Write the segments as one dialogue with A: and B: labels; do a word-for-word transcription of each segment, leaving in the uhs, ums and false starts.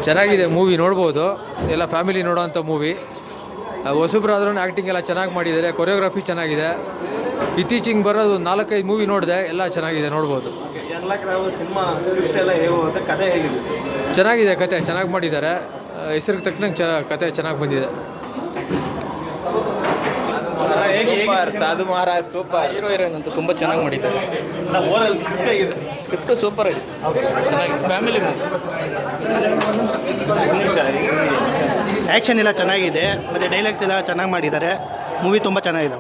A: ಚೆನ್ನಾಗಿದೆ ಮೂವಿ, ನೋಡ್ಬೋದು. ಎಲ್ಲ ಫ್ಯಾಮಿಲಿ ನೋಡೋವಂಥ ಮೂವಿ. ಹೊಸಬ್ರಾದ್ರೂ ಆ್ಯಕ್ಟಿಂಗ್ ಎಲ್ಲ ಚೆನ್ನಾಗಿ ಮಾಡಿದ್ದಾರೆ, ಕೊರಿಯೋಗ್ರಫಿ ಚೆನ್ನಾಗಿದೆ. ಇತ್ತೀಚಿಗೆ ಬರೋದು ನಾಲ್ಕೈದು ಮೂವಿ ನೋಡಿದೆ, ಎಲ್ಲ ಚೆನ್ನಾಗಿದೆ, ನೋಡ್ಬೋದು. ಚೆನ್ನಾಗಿದೆ ಕತೆ, ಚೆನ್ನಾಗಿ ಮಾಡಿದ್ದಾರೆ. ಹೆಸರಿಗೆ ತಕ್ಕನಂಗೆ ಚ ಕತೆ ಚೆನ್ನಾಗಿ ಬಂದಿದೆ.
B: ಸೂಪರ್ ಸಾಧು ಮಹಾರಾಜ್ ಸೂಪರ್.
C: ಹೀರೋ ಹೀರೋಯಿನ್ ಅಂತೂ ತುಂಬ ಚೆನ್ನಾಗಿ ಮಾಡಿದ್ದಾರೆ. ಸ್ಕ್ರಿಪ್ಟು ಸೂಪರ್ ಆಗಿದೆ, ಚೆನ್ನಾಗಿದೆ, ಫ್ಯಾಮಿಲಿ ಮೂವಿ.
D: ಆ್ಯಕ್ಷನ್ ಎಲ್ಲ ಚೆನ್ನಾಗಿದೆ ಮತ್ತು ಡೈಲಾಗ್ಸ್ ಎಲ್ಲ ಚೆನ್ನಾಗಿ ಮಾಡಿದ್ದಾರೆ. ಮೂವಿ ತುಂಬ ಚೆನ್ನಾಗಿದೆ.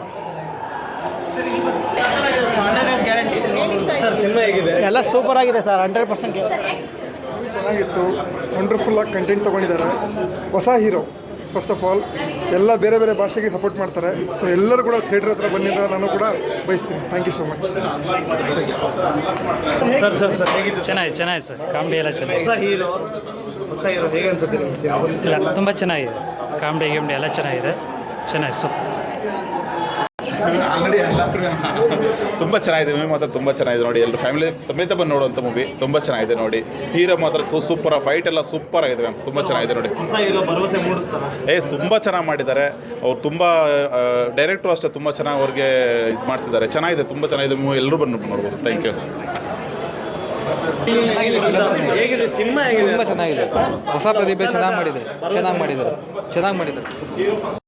D: ಎಲ್ಲ ಸೂಪರ್ ಆಗಿದೆ ಸರ್, ಹಂಡ್ರೆಡ್ ಪರ್ಸೆಂಟ್.
E: ಮೂವಿ ಚೆನ್ನಾಗಿತ್ತು, ವಂಡರ್ಫುಲ್ಲಾಗಿ ಕಂಟೆಂಟ್ ತೊಗೊಂಡಿದ್ದಾರೆ. ಹೊಸ ಹೀರೋ ಫಸ್ಟ್ ಆಫ್ ಆಲ್ ಎಲ್ಲ ಬೇರೆ ಬೇರೆ ಭಾಷೆಗೆ ಸಪೋರ್ಟ್ ಮಾಡ್ತಾರೆ. ಸೊ ಎಲ್ಲರೂ ಕೂಡ ಥಿಯೇಟ್ರ್ ಹತ್ರ ಬಂದಿದ್ದ ನಾನು ಕೂಡ ಬಯಸ್ತೀನಿ. Thank you so much.
D: Sir sir sir
C: ಚೆನ್ನಾಗಿದೆ ಚೆನ್ನಾಗಿದೆ ಸರ್, ಕಾಮಿಡಿ ಎಲ್ಲ ಚೆನ್ನಾಗಿದೆ.
D: ಹೊಸ ಹೀರೋ ಹೊಸ ಹೀರೋ ಹೇಗೆ ಅನ್ಸುತ್ತೆ ನಿಮಗೆ?
C: ಇಲ್ಲ ತುಂಬ ಚೆನ್ನಾಗಿದೆ, ಕಾಮಿಡಿ ಗಿಮಿಡಿ ಎಲ್ಲ ಚೆನ್ನಾಗಿದೆ, ಚೆನ್ನಾಗಿದೆ ಸೂಪರ್.
F: ಅಂಗಡಿ ಎಲ್ಲ ತುಂಬ ಚೆನ್ನಾಗಿದೆ ಮೂವಿ, ಮಾತ್ರ ತುಂಬ ಚೆನ್ನಾಗಿದೆ ನೋಡಿ. ಎಲ್ಲರೂ ಫ್ಯಾಮಿಲಿ ಸಮೇತ ಬಂದು ನೋಡುವಂಥ ಮೂವಿ, ತುಂಬ ಚೆನ್ನಾಗಿದೆ ನೋಡಿ. ಹೀರೋ ಮಾತ್ರ ಸೂಪರ್, ಫೈಟ್ ಎಲ್ಲ ಸೂಪರ್ ಆಗಿದೆ ಮ್ಯಾಮ್, ತುಂಬ ಚೆನ್ನಾಗಿದೆ ನೋಡಿ.
D: ಹೊಸ ಹೀರೋ ಭರವಸೆ ಮೂಡಿಸ್ತಾರೆ.
F: ಏ ತುಂಬ ಚೆನ್ನಾಗಿ ಮಾಡಿದ್ದಾರೆ ಅವ್ರು, ತುಂಬ ಡೈರೆಕ್ಟ್ರು ಅಷ್ಟೇ ತುಂಬ ಚೆನ್ನಾಗಿ ಅವ್ರಿಗೆ ಇದು ಮಾಡಿಸಿದ್ದಾರೆ. ಚೆನ್ನಾಗಿದೆ, ತುಂಬ ಚೆನ್ನಾಗಿದೆ ಮೂವಿ, ಎಲ್ಲರೂ ಬಂದು ನೋಡ್ಬೋದು. Thank you.
D: ಹೇಗಿದೆ ಸಿನಿಮಾ?
B: ತುಂಬ ಚೆನ್ನಾಗಿದೆ, ಹೊಸ ಪ್ರತಿಭೆ ಚೆನ್ನಾಗಿ ಮಾಡಿದ್ದಾರೆ, ಚೆನ್ನಾಗಿ ಮಾಡಿದ್ದಾರೆ, ಚೆನ್ನಾಗಿ ಮಾಡಿದ್ದಾರೆ.